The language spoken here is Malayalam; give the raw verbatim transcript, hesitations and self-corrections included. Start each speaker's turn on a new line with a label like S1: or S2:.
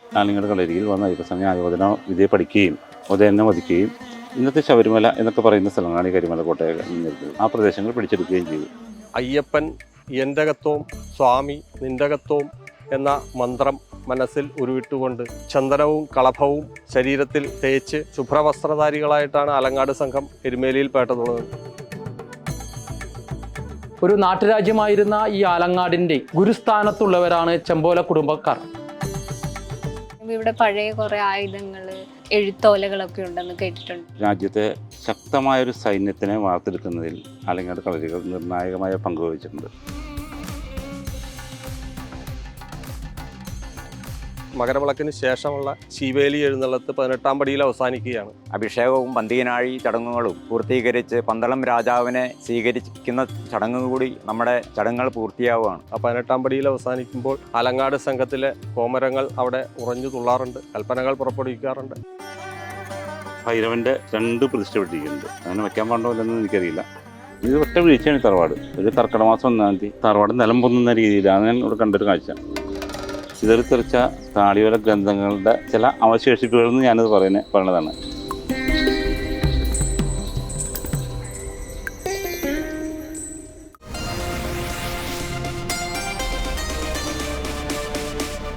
S1: ആലിങ്ങാട് കളരിയിൽ വന്ന അയ്യപ്പസ്വാമി ആയോധന വിദ്യ പഠിക്കുകയും ഉദയനെ വധിക്കുകയും ഇന്നത്തെ ശബരിമല എന്നൊക്കെ പറയുന്ന സ്ഥലങ്ങളാണ് ഈ കരിമല കോട്ടയിൽ നിന്നിരുന്നത്. ആ പ്രദേശങ്ങൾ പിടിച്ചെടുക്കുകയും ചെയ്തു.
S2: അയ്യപ്പൻ എൻ്റകത്വം സ്വാമി നിൻ്റകത്വം എന്ന മന്ത്രം മനസ്സിൽ ഉരുവിട്ടുകൊണ്ട് ചന്ദനവും കളഭവും ശരീരത്തിൽ തേച്ച് ശുഭ്രവസ്ത്രധാരികളായിട്ടാണ് ആലങ്ങാട് സംഘം എരുമേലിയിൽ പേട്ടതുള്ളത്.
S3: ഒരു നാട്ടുരാജ്യമായിരുന്ന ഈ ആലങ്ങാടിൻ്റെ ഗുരുസ്ഥാനത്തുള്ളവരാണ് ചെമ്പോല കുടുംബക്കാർ.
S4: ഇവിടെ പഴയ കുറേ ആയുധങ്ങൾ, എഴുത്തോലകളൊക്കെ ഉണ്ടെന്ന് കേട്ടിട്ടുണ്ട്.
S1: രാജ്യത്തെ ശക്തമായൊരു സൈന്യത്തിനെ വാർത്തെടുക്കുന്നതിൽ ആലങ്ങാട് കളരികൾ നിർണായകമായ പങ്ക് വഹിച്ചിട്ടുണ്ട്.
S2: മകരവിളക്കിന് ശേഷമുള്ള ശീവേലി എഴുന്നള്ളത്ത് പതിനെട്ടാം പടിയിൽ അവസാനിക്കുകയാണ്.
S5: അഭിഷേകവും പന്തീനാഴി ചടങ്ങുകളും പൂർത്തീകരിച്ച് പന്തളം രാജാവിനെ സ്വീകരിക്കുന്ന ചടങ്ങ് കൂടി നമ്മുടെ ചടങ്ങുകൾ പൂർത്തിയാവുകയാണ്.
S2: ആ പതിനെട്ടാം പടിയിൽ അവസാനിക്കുമ്പോൾ ആലങ്ങാട് സംഘത്തിലെ കോമരങ്ങൾ അവിടെ ഉറഞ്ഞു തുള്ളാറുണ്ട്, കൽപ്പനകൾ പുറപ്പെടുവിക്കാറുണ്ട്.
S1: ഭൈരവന്റെ രണ്ട് പ്രതിഷ്ഠപ്പെട്ടിരിക്കുന്നുണ്ട്. അങ്ങനെ വെക്കാൻ പാടില്ലെന്ന് എനിക്കറിയില്ല. ഇത് ഒറ്റ വീഴ്ചയാണ്. തറവാട് ഒരു കർക്കിടക മാസം ഒന്നാം തീയതി തറവാട് നിലം പൊന്നുന്ന രീതിയിലാണ് ഞാൻ ഇവിടെ കണ്ടൊരു കാഴ്ച. ചിതറിത്തെറിച്ച താളിയോല ഗ്രന്ഥങ്ങളുടെ ചില അവശേഷിപ്പുകളെന്ന് ഞാനത് പറയുന്നത് പറയണതാണ്.